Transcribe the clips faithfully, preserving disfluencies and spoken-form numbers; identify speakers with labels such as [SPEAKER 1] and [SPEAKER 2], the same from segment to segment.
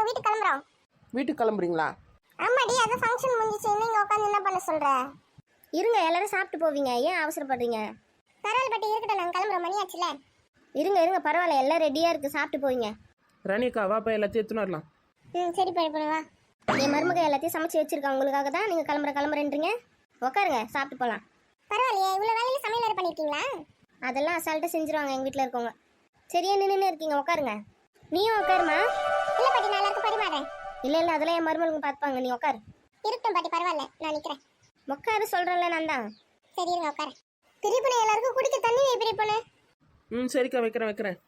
[SPEAKER 1] வீட்டுக்கு கிளம்புறோம்.
[SPEAKER 2] வீட்டுக்கு கிளம்புறீங்களா?
[SPEAKER 1] ஆமாடி, அது ஃபங்க்ஷன் முடிஞ்சிச்சு. நீங்க உட்காந்து என்ன பண்ண சொல்ற?
[SPEAKER 3] இருங்க, எல்லாரும் சாப்பிட்டு போவீங்க, ஏன் அவசரப்படுறீங்க?
[SPEAKER 1] பரவாயில்ல பாட்டி, இருக்கட்டும், நாங்கள் கிளம்புறோம், மணி ஆச்சுல.
[SPEAKER 3] இருங்க இருங்க பரவாயில்ல, எல்லாம் ரெடியாக இருக்குது, சாப்பிட்டு போவீங்க.
[SPEAKER 2] ராணிக்கா வாப்பா, எல்லாத்தையும் எடுத்துன்னு வரலாம்.
[SPEAKER 1] ம் சரி பாட்டி, பண்ணுவா.
[SPEAKER 3] என் மருமக எல்லாத்தையும் சமைச்சு வச்சிருக்கேன் உங்களுக்காக தான். நீங்கள் கிளம்புற கிளம்புறேன்றீங்க. உட்காருங்க, சாப்பிட்டு போகலாம்.
[SPEAKER 1] பரவாயில்லையே, இவ்வளோ வேலையில சமையல் வேறு பண்ணியிருக்கீங்களா?
[SPEAKER 3] அதெல்லாம் அசால்ட்டாக செஞ்சுருவாங்க எங்கள் வீட்டில் இருக்கவங்க. சரியா நின்று இருக்கீங்க, உட்காருங்க. நீயும் உட்காருமா.
[SPEAKER 1] இல்லை பாட்டி, நான் எல்லாருக்கும் பரிமாறேன்.
[SPEAKER 3] இல்லை இல்லை, அதெல்லாம் என் மருமகளுக்கு பார்த்துப்பாங்க, நீ உட்காரு.
[SPEAKER 1] இருக்கட்டும் பாட்டி, பரவாயில்ல, நான் நிற்கிறேன்.
[SPEAKER 3] உட்காரு சொல்கிறேன்ல நான் தான்.
[SPEAKER 1] சரி இருங்க, உட்கார. பெரிய பொண்ணு, எல்லாருக்கும் குடிக்க தண்ணி வை பெரிய பொண்ணு.
[SPEAKER 2] ம் சரிக்கா, வைக்கிறேன் வைக்கிறேன்.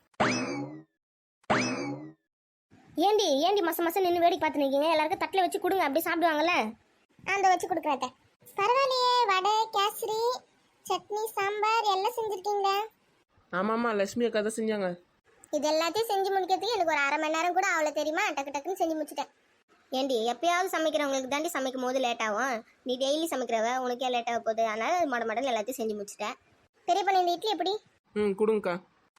[SPEAKER 3] ஏண்டி ஏண்டி மச மசம் நின்று வேடிக்கை பார்த்து நிற்கீங்க? எல்லாருக்கும் தட்டில் வச்சு கொடுங்க, அப்படியே சாப்பிடுவாங்கல்ல.
[SPEAKER 1] அந்த வச்சு கொடுக்குறேன். பரவாயில்லையே, வடை, கேசரி, சட்னி, சாம்பார் எல்லாம் செஞ்சுருக்கீங்களே.
[SPEAKER 2] ஆமாம்மா, லட்சுமி அக்கா தான் செஞ்சாங்க.
[SPEAKER 1] இது எல்லாத்தையும் செஞ்சு முடிக்கிறதுக்கு எனக்கு ஒரு அரை மணி நேரம் கூட அவ்வளோ தெரியுமா? டக்கு டக்குன்னு செஞ்சு முடிச்சிட்டேன்.
[SPEAKER 3] ஏண்டி எப்பயாவது சமைக்கிறவங்களுக்கு தாண்டி சமைக்கும் போது லேட் ஆகும். நீ டெய்லி சமைக்கிறவ, உனக்கே லேட் ஆக போகுது. அதனால மட மடன்னு எல்லாத்தையும் செஞ்சு முடிச்சிட்டேன்.
[SPEAKER 1] பெரிய பொண்ணு, இந்த இட்லி எப்படி?
[SPEAKER 2] ம் கொடுங்கக்கா.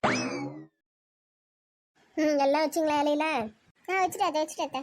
[SPEAKER 3] ம் எல்லாம் வச்சிங்களா இலையில?
[SPEAKER 1] நான் வச்சுட்டேன், அதை வச்சுட்டேன்.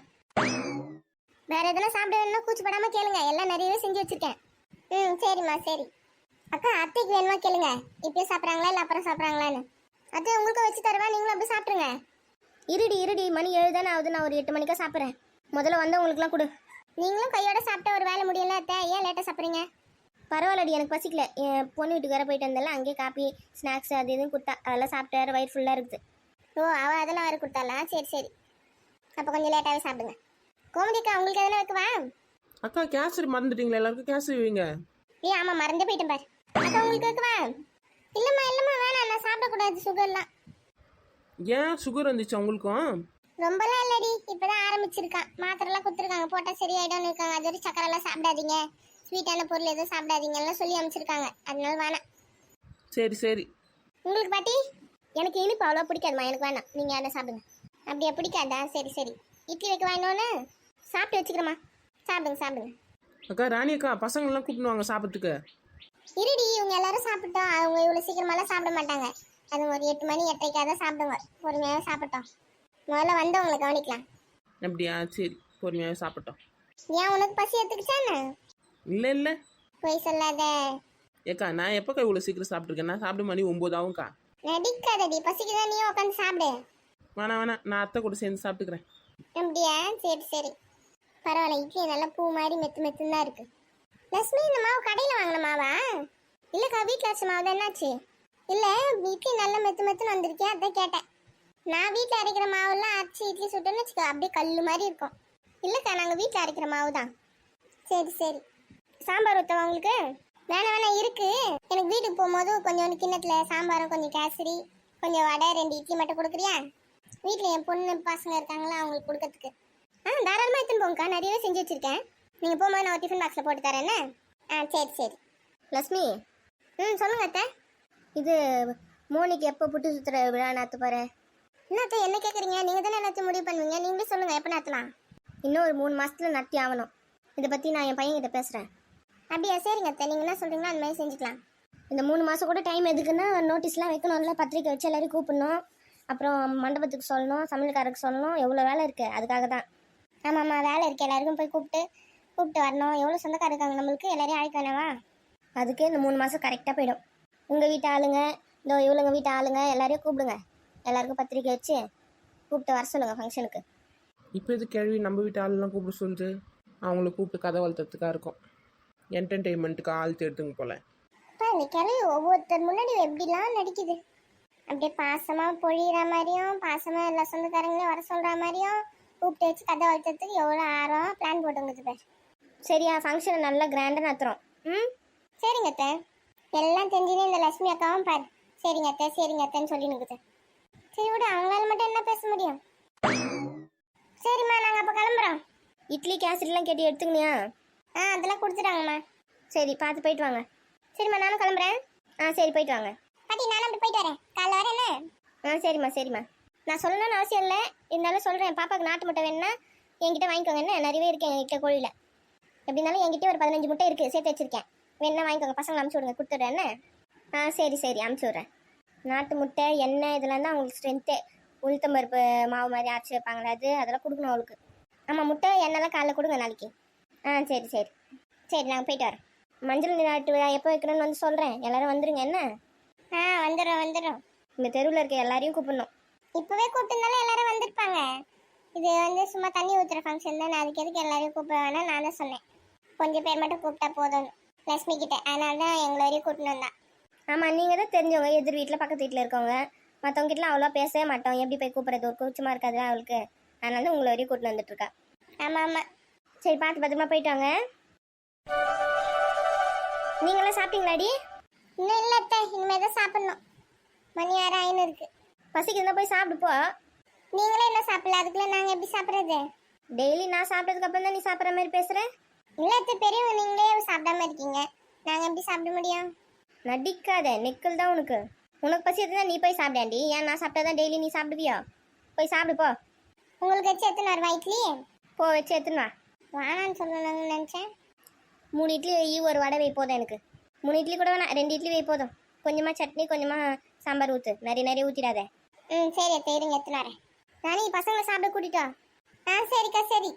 [SPEAKER 1] வேற எதனா சாப்பிட வேணும்னா கூச்சப்படாம கேளுங்க, எல்லாம் நிறையவே செஞ்சு வச்சிருக்கேன். ம் சரிம்மா சரி. அக்கா, அத்தைக்கு வேணுமா கேளுங்க, இப்பயே சாப்பிட்றாங்களா இல்லை அப்புறம் சாப்பிட்றாங்களான்னு. அத்தை உங்களுக்கு வச்சு தருவா, நீங்களும் அப்படி சாப்பிட்ருங்க.
[SPEAKER 3] இருடி இருடி, மணி ஏழு தானே ஆகுது, நான் ஒரு எட்டு மணிக்கா சாப்பிட்றேன். முதல்ல வந்தவங்களுக்குலாம் கொடு.
[SPEAKER 1] நீங்களும் கையோட சாப்பிட்ட ஒரு வேலை முடியல அத்தை, ஏன் லேட்டாக சாப்பிட்றீங்க?
[SPEAKER 3] பரவாயில்லடி, எனக்கு பசிக்கல. என் பொண்ணு வீட்டுக்கு வேற போயிட்டு வந்தால, அங்கேயே காப்பி ஸ்நாக்ஸ் அது இதுன்னு கொடுத்தா, அதெல்லாம் சாப்பிட்டு வேறு வயிறு ஃபுல்லாக இருக்குது.
[SPEAKER 1] ஓ, அவள் அதெல்லாம் வேறு கொடுத்தாளா? சரி சரி, அப்போ கொஞ்சம் லேட்டாகவே சாப்பிடுங்க. கோமதிக்கா, உங்களுக்கு எதனா வைக்கவா?
[SPEAKER 2] அக்கா கேசரி மறந்துட்டீங்களா? எல்லாருக்கும் கேசரி வைங்க.
[SPEAKER 1] ஏ ஆமாம், மறந்தே போயிட்டேன் பாரு. அக்கா உங்களுக்கு வைக்கவா? இல்லைம்மா இல்லைம்மா, வேணாம், நான் சாப்பிடக்கூடாது, சுகர்லாம்.
[SPEAKER 2] ஏன் சுகர் வந்துச்சு உங்களுக்கும்?
[SPEAKER 1] ரொம்பலாம் இல்லடி, இப்போதான் ஆரம்பிச்சிருக்கான். மாத்திரைலாம் கொடுத்துருக்காங்க, போட்டால் சரியாயிடும்னு இருக்காங்க. அது வரைக்கும் சக்கரெல்லாம் சாப்பிடாதீங்க, ஸ்வீட்டான பொருள் எதுவும் சாப்பிடாதீங்க எல்லாம் சொல்லி அமைச்சிருக்காங்க. அதனால வேணாம்.
[SPEAKER 2] சரி சரி.
[SPEAKER 1] உங்களுக்கு பாட்டி?
[SPEAKER 3] எனக்கு இனிப்பு அவ்வளோ பிடிக்காதுமா, எனக்கு வேணாம். நீங்கள் என்ன சாப்பிடுங்க.
[SPEAKER 1] அப்படியே பிடிக்காதா? சரி சரி, இட்லி வைக்க வேணும்னு
[SPEAKER 3] சாப்பிட்டு வச்சுக்கிறேம்மா.
[SPEAKER 1] சாப்பிடுங்க சாப்பிடுங்க.
[SPEAKER 2] அக்கா ராணி அக்கா, பசங்கள்லாம் கூப்பிட்டு வாங்க சாப்பிட்றதுக்கு.
[SPEAKER 1] இருடி, இவங்க எல்லாரும் சாப்பிட்டோம். அவங்க இவ்வளோ சீக்கிரமாலாம் சாப்பிட மாட்டாங்க. அது ஒரு எட்டு மணி எட்டரைக்காக தான் சாப்பிடுங்க. பொறுமையாக சாப்பிட்டோம். முதல்ல வந்தவங்களை கவனிக்கலாம்.
[SPEAKER 2] அப்படியா? சரி, பொறுமையாக சாப்பிட்டோம்.
[SPEAKER 1] ஏன், உனக்கு பசி எடுத்துக்கிச்சானே?
[SPEAKER 2] இல்லை இல்லை.
[SPEAKER 1] போய் சொல்லாத.
[SPEAKER 2] ஏக்கா, நான் எப்போக்கா இவ்வளோ சீக்கிரம் சாப்பிட்ருக்கேன்? நான் சாப்பிட மணி ஒம்பது ஆகும்க்கா.
[SPEAKER 1] நடிக்காதடி, பசிக்குதான், நீயும் உட்காந்து சாப்பிடு.
[SPEAKER 2] வேணாம் வேணாம், நான் அத்தை கூட சேர்ந்து சாப்பிட்டுக்கிறேன்.
[SPEAKER 1] அப்படியா? சரி சரி, பரவாயில்ல. இட்லி நல்லா பூ மாதிரி மெத்து மெத்துன்னு தான் இருக்கு. லட்சுமி, இந்த மாவு கடையில் வாங்கின மாவா? இல்லைக்கா, வீட்டில் வச்ச மாவு தான். என்னாச்சு? இல்லை, இட்லி நல்லா மெத்து மெத்துன்னு வந்திருக்கேன், அதான் கேட்டேன். நான் வீட்டில் அரைக்கிற மாவுலாம் அரைச்சி இட்லி சுட்டோன்னு வச்சுக்கோ, அப்படியே கல் மாதிரி இருக்கும். இல்லைக்கா, நாங்கள் வீட்டில் அரைக்கிற மாவு தான். சரி சரி. சாம்பார் ஊற்றவா உங்களுக்கு? வேணாம் வேணாம், இருக்கு. எனக்கு வீட்டுக்கு போகும்போது கொஞ்சம் கிண்ணத்தில் சாம்பாரும் கொஞ்சம் கேசரி கொஞ்சம் வடை ரெண்டு இட்லி மட்டும் கொடுக்குறியா? வீட்டில் என் பொண்ணு பசங்க இருக்காங்களா, அவங்களுக்கு கொடுக்கறதுக்கு. ஆ தாராளமாக எடுத்துன்னு போங்கக்கா, நிறையவே செஞ்சு வச்சுருக்கேன். நீங்கள் போகும்போது நான் ஒரு டிஃபன் பாக்ஸில் போட்டு தரேன். ஆ சரி சரி.
[SPEAKER 3] லட்சுமி.
[SPEAKER 1] ம் சொல்லுங்க அத்தை.
[SPEAKER 3] இது மோனிக்கு எப்போ புட்டு சுற்றுற விழா நாற்று பாரு.
[SPEAKER 1] என்ன அத்தை என்ன கேட்குறீங்க? நீங்கள் தானே எல்லாத்தையும் முடிவு பண்ணுவீங்க, நீங்களே சொல்லுங்கள் எப்போ நடத்தலாம்.
[SPEAKER 3] இன்னும் ஒரு மூணு மாதத்தில் நட்டி ஆகணும். இதை பற்றி நான் என் பையன்கிட்ட பேசுகிறேன்.
[SPEAKER 1] அப்படியா? சரிங்க அத்தை, நீங்கள் என்ன சொல்கிறீங்களோ அந்த மாதிரி செஞ்சுக்கலாம்.
[SPEAKER 3] இந்த மூணு மாதம் கூட டைம் எதுக்குன்னா, நோட்டீஸ்லாம் வைக்கணும்ல, பத்திரிக்கை வச்சு எல்லோரும் கூப்பிடணும், அப்புறம் மண்டபத்துக்கு சொல்லணும், சமையல்காரருக்கு சொல்லணும், எவ்வளோ வேலை இருக்குது. அதுக்காக தான்.
[SPEAKER 1] ஆமாம் ஆமாம், வேலை இருக்குது. எல்லாருக்கும் போய் கூப்பிட்டு கூப்பிட்டு வரணும். எவ்வளோ சொந்தக்கார இருக்காங்க நம்மளுக்கு, எல்லாரையும் அழைக்க வேணாவா?
[SPEAKER 3] அதுக்கே இந்த மூணு மாதம் கரெக்டாக போயிடும். உங்கள் வீட்டு ஆளுங்க, இந்த இவளுங்க வீட்டு ஆளுங்க எல்லாரையும் கூப்பிடுங்க. எல்லாருக்கும் பத்திரிக்கை வச்சு கூப்பிட்டு வர சொல்லுங்கள் ஃபங்க்ஷனுக்கு.
[SPEAKER 2] இப்போ இது கேள்வி நம்ம வீட்டு ஆளுலாம் கூப்பிட சொல்லுது. அவங்கள கூப்பிட்டு கதை வளர்த்துறதுக்காக இருக்கும், என்டர்டெயின்மெண்ட்டுக்கு ஆள் தேடுதுங்க போல.
[SPEAKER 1] அப்பா, இந்த கிளவி ஒவ்வொருத்தர் முன்னாடி எப்படிலாம் நடிக்குது. அப்படியே பாசமாக பொழியிற மாதிரியும், பாசமாக எல்லா சொந்தக்காரங்களையும் வர சொல்கிற மாதிரியும் கூப்பிட்டு வச்சு கதை வளர்த்துறதுக்கு எவ்வளோ ஆர்வம் பிளான் போட்டுங்குது பேர்.
[SPEAKER 3] சரியா? ஃபங்க்ஷனை நல்லா கிராண்டாக நடத்துகிறோம். ம்
[SPEAKER 1] சரிங்க அத்தை. எல்லாம் தெரிஞ்சுன்னு இந்த லட்சுமி அக்காவும் பாரு சரிங்க அத்தை சரிங்க அத்தைன்னு சொல்லி நிற்குது. சரி விட, அவங்களால மட்டும் என்ன பேச முடியும்? சரிம்மா, நாங்கள் அப்போ கிளம்புறோம்.
[SPEAKER 3] இட்லி கேசரிலாம் கேட்டு எடுத்துக்கணியா?
[SPEAKER 1] ஆ அதெல்லாம் கொடுத்துட்டாங்கம்மா.
[SPEAKER 3] சரி, பார்த்து போயிட்டு வாங்க.
[SPEAKER 1] சரிம்மா, நானும் கிளம்புறேன்.
[SPEAKER 3] ஆ சரி, போயிட்டு வாங்க.
[SPEAKER 1] பாட்டி, நானும் அப்படி போயிட்டு வரேன். காலைல வரேன் என்ன?
[SPEAKER 3] ஆ சரிம்மா சரிம்மா. நான் சொல்லணும்னு அவசியம் இல்லை, இருந்தாலும் சொல்கிறேன். பாப்பாவுக்கு நாட்டு முட்டை வேணுன்னா என்கிட்ட வாங்கிக்கோங்க. என்ன நிறையவே இருக்குது என்கிட்ட கோழியில். எப்படி இருந்தாலும் என்கிட்ட ஒரு பதினஞ்சு முட்டை இருக்குது, சேர்த்து வச்சுருக்கேன். வேணா வாங்கிக்கோங்க, பசங்களை அமுச்சு விடுங்க, கொடுத்துட்றேன். என்ன? ஆ சரி சரி, அமுச்சு விட்றேன். நாட்டு முட்டை, எண்ணெய் இதெல்லாம் தான் அவங்களுக்கு ஸ்ட்ரென்த்தே. உளுத்தம்பருப்பு மாவு மாதிரி அரைச்சி வைப்பாங்களே, அது அதெல்லாம் கொடுக்கணும் அவளுக்கு. ஆமாம் முட்டை எண்ணெய்லாம் காலைல கொடுங்க நாளைக்கு. ஆ சரி சரி சரி நாங்கள் போயிட்டு வரோம். மஞ்சள் நீராட்டு விழா எப்போ வைக்கணும்னு வந்து சொல்கிறேன், எல்லாரும் வந்துருங்க என்ன.
[SPEAKER 1] ஆ வந்துடும் வந்துடும்.
[SPEAKER 3] இந்த தெருவில் இருக்க எல்லாரையும் கூப்பிடணும்.
[SPEAKER 1] இப்போவே கூப்பிட்டுருந்தாலும் எல்லாரும் வந்திருப்பாங்க. இது வந்து சும்மா தண்ணி ஊற்றுற ஃபங்க்ஷன் தானே, அதுக்கு எதுக்கு எல்லாரையும் கூப்பிட வேணாம் நான் தான் சொன்னேன். கொஞ்சம் பேர் மட்டும் கூப்பிட்டா போதும் லக்ஷ்மி கிட்ட, அதனால தான் எங்களை வரையும் கூப்பிட்டு வந்தான்.
[SPEAKER 3] ஆமாம் நீங்கள் தான் தெரிஞ்சவங்க, எதிர் வீட்டில் பக்கத்து வீட்டில் இருக்கவங்க. மற்றவங்க கிட்டலாம் அவ்வளோ பேசவே மாட்டோம், எப்படி போய் கூப்பிட்றது, ஒரு கூச்சமாக இருக்காது அவளுக்கு. அதனால தான் உங்களை வரையும் கூட்டிட்டு வந்துட்டுருக்கா.
[SPEAKER 1] ஆமாம் ஆமாம்.
[SPEAKER 3] சரி பார்த்து பத்திரமா போயிட்டு வாங்க. நீங்களாம் சாப்பிட்டீங்களாடி?
[SPEAKER 1] இன்னும் இல்லை அத்தை, இனிமேல் தான் சாப்பிட்ணும். மணி ஆறு ஆயின்னு இருக்கு.
[SPEAKER 3] பசிக்குதுன்னா போய் சாப்பிடுப்போ.
[SPEAKER 1] நீங்களே என்ன சாப்பிடல, அதுக்குள்ளே நாங்கள் எப்படி சாப்பிட்றது?
[SPEAKER 3] டெய்லி நான் சாப்பிட்டதுக்கு அப்புறம் தான் நீ சாப்பிட்ற மாதிரி பேசுகிறேன்.
[SPEAKER 1] இல்லை அத்தை, பெரியவங்க நீங்களே சாப்பிடாம இருக்கீங்க, நாங்கள் எப்படி சாப்பிட முடியும்?
[SPEAKER 3] நடிக்காத, நெக்கல் தான் உனக்கு. உனக்கு பசி எடுத்துதான் நீ போய் சாப்பிடாண்டி, ஏன் நான் சாப்பிட்டா தான் டெய்லி நீ சாப்பிடுவியா? போய் சாப்பிடுப்போ.
[SPEAKER 1] உங்களுக்கு வச்சு எத்தனை வருவா இட்லி?
[SPEAKER 3] போ வச்சு எடுத்துன்னு வா.
[SPEAKER 1] வானான்னு சொல்லணும்னு நினச்சேன்.
[SPEAKER 3] மூணு இட்லி வை, ஒரு வடை வை போதும் எனக்கு. மூணு இட்லி கூட வேணாம், ரெண்டு இட்லி வை போதும். கொஞ்சமாக சட்னி கொஞ்சமாக சாம்பார் ஊற்று, நிறைய நிறைய ஊற்றிடாத.
[SPEAKER 1] ம் சரி அத்தை, இருங்க எத்தனை வரேன். நானே பசங்களை சாப்பிட கூட்டிட்டா? ஆ சரிக்கா சரி.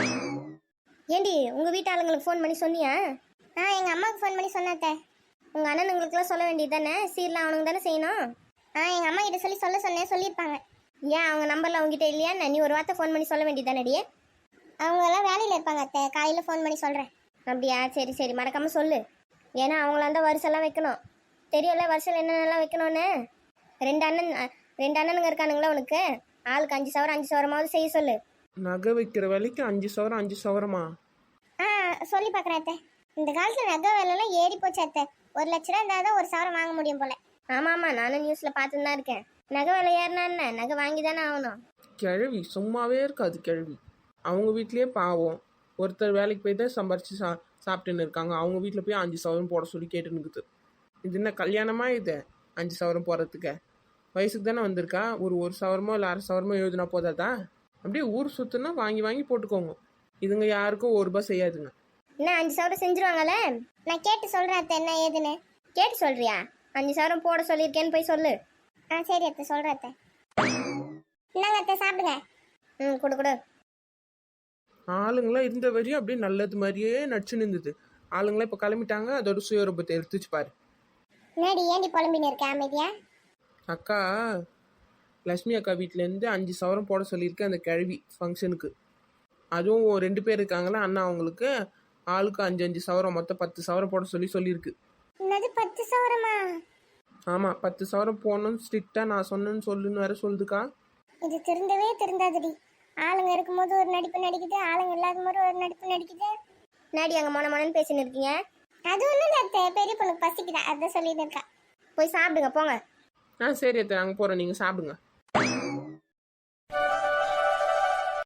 [SPEAKER 3] ஏண்டி உங்கள் வீட்டு ஆளுங்களுக்கு ஃபோன் பண்ணி சொன்னியா?
[SPEAKER 1] ஆ எங்கள் அம்மாவுக்கு ஃபோன் பண்ணி சொன்னாத்தே.
[SPEAKER 3] உங்கள் அண்ணனுங்களுக்குலாம் சொல்ல வேண்டியது தானே, சீர்லாம் அவனுங்க தானே செய்யணும்.
[SPEAKER 1] ஆ எங்கள் அம்மா கிட்ட சொல்லி சொல்ல சொன்னேன், சொல்லியிருப்பாங்க.
[SPEAKER 3] ஏன் அவங்க நம்பரில் அவங்ககிட்ட இல்லையா? நீ ஒரு வார்த்தை ஃபோன் பண்ணி சொல்ல வேண்டியது தானடியே.
[SPEAKER 1] அவங்கெல்லாம் வேலையில் இருப்பாங்க அத்தை, காலையில் ஃபோன் பண்ணி சொல்கிறேன்.
[SPEAKER 3] அப்படியா? சரி சரி மறக்காமல் சொல்லு. ஏன்னா அவங்களாம் தான் வருஷம்லாம் வைக்கணும். தெரியல வருஷம் என்னென்னலாம் வைக்கணும்னு. ரெண்டு அண்ணன் ரெண்டு அண்ணனுங்க இருக்கானுங்களா உனக்கு? ஆளுக்கு அஞ்சு சவரம் அஞ்சு சவரமாவது செய்ய சொல்லு.
[SPEAKER 2] நகை வைக்கிற வேலைக்கு அஞ்சு சவரம் அஞ்சு சவரமா?
[SPEAKER 1] ஆ சொல்லி பார்க்குறேன் அத்தை. இந்த காலத்தில் நகை விலைலாம் ஏறி போச்சு அத்தை. ஒரு லட்ச ரூபா இருந்தால் தான் ஒரு சவரம் வாங்க முடியும் போல.
[SPEAKER 3] ஆமாம் ஆமாம், நானும் நியூஸில் பார்த்துன்னு தான் இருக்கேன். நகை விலை ஏறினா என்ன, நகை வாங்கி தானே ஆகணும்.
[SPEAKER 2] கிழவி சும்மாவே இருக்காது கிழவி. அவங்க வீட்லேயே பாவம், ஒருத்தர் வேலைக்கு போய் தான் சம்பாரிச்சு சா சாப்பிட்டுன்னு இருக்காங்க. அவங்க வீட்டில் போய் அஞ்சு சவரம் போட சொல்லி கேட்டுன்னு இருக்குது. இது என்ன கல்யாணமா இது? அஞ்சு சவரம் போடுறதுக்கு வயசுக்கு தானே வந்திருக்கா. ஒரு ஒரு சவரமோ இல்லை அரை சவரமோ எழுதுனா போதாதா? அப்படியே ஊர் சுற்றுனா வாங்கி வாங்கி போட்டுக்கோங்க. இதுங்க யாருக்கும் ஒரு ரூபாய் செய்யாதுங்க.
[SPEAKER 3] என்ன அஞ்சு சவரம் செஞ்சுருவாங்கல்ல?
[SPEAKER 1] நான் கேட்டு சொல்கிறேன் அத்தை என்ன ஏதுன்னு.
[SPEAKER 3] கேட்டு சொல்றியா? அஞ்சு சவரம் போட சொல்லியிருக்கேன்னு போய் சொல்லு.
[SPEAKER 1] ஆ சரி அத்தை, சொல்கிறேன் அத்தை. இந்தாங்க அத்தை சாப்பிடுங்க.
[SPEAKER 3] ம் கொடு கொடு.
[SPEAKER 2] ஆளுங்களாம் இருந்த வரையும் அப்படியே நல்லது மாதிரியே நடிச்சுன்னு இருந்தது. ஆளுங்களாம் இப்போ கிளம்பிட்டாங்க, அதோட சுயரூபத்தை எடுத்துச்சு பாரு.
[SPEAKER 1] என்னடி ஏண்டி புலம்பின்னு இருக்க அமைதியா?
[SPEAKER 2] அக்கா லக்ஷ்மி அக்கா வீட்டிலேருந்து அஞ்சு சவரம் போட சொல்லியிருக்கேன் அந்த கிழவி ஃபங்க்ஷனுக்கு. அதுவும் ரெண்டு பேர் இருக்காங்களா அண்ணா, அவங்களுக்கு ஆளுக்கு அஞ்சு அஞ்சு சவரம் மொத்தம் பத்து சவரம் போட சொல்லி சொல்லியிருக்கு.
[SPEAKER 1] என்னது பத்து சவரமா?
[SPEAKER 2] ஆமாம், பத்து சவரம் போடணும்னு ஸ்ட்ரிக்டாக நான் சொன்னேன்னு சொல்லுன்னு வேற சொல்லுதுக்கா.
[SPEAKER 1] இது திருந்தவே திருந்தாதுடி. ஆளுங்க இருக்கும்போது ஒரு நடிப்பு நடிக்குது, ஆளுங்க இல்லாத போது ஒரு நடிப்பு நடிக்குது.
[SPEAKER 3] நாடி அங்கே மொன மொனன்னு பேசின்னு இருக்கீங்க.
[SPEAKER 1] அது ஒன்றும் அத்தை, பெரிய பொண்ணுக்கு பசிக்குதா, அதான் சொல்லிட்டு இருக்கா.
[SPEAKER 3] போய் சாப்பிடுங்க போங்க.
[SPEAKER 2] ஆ சரி அத்தை, நாங்கள் போகிறோம், நீங்கள் சாப்பிடுங்க.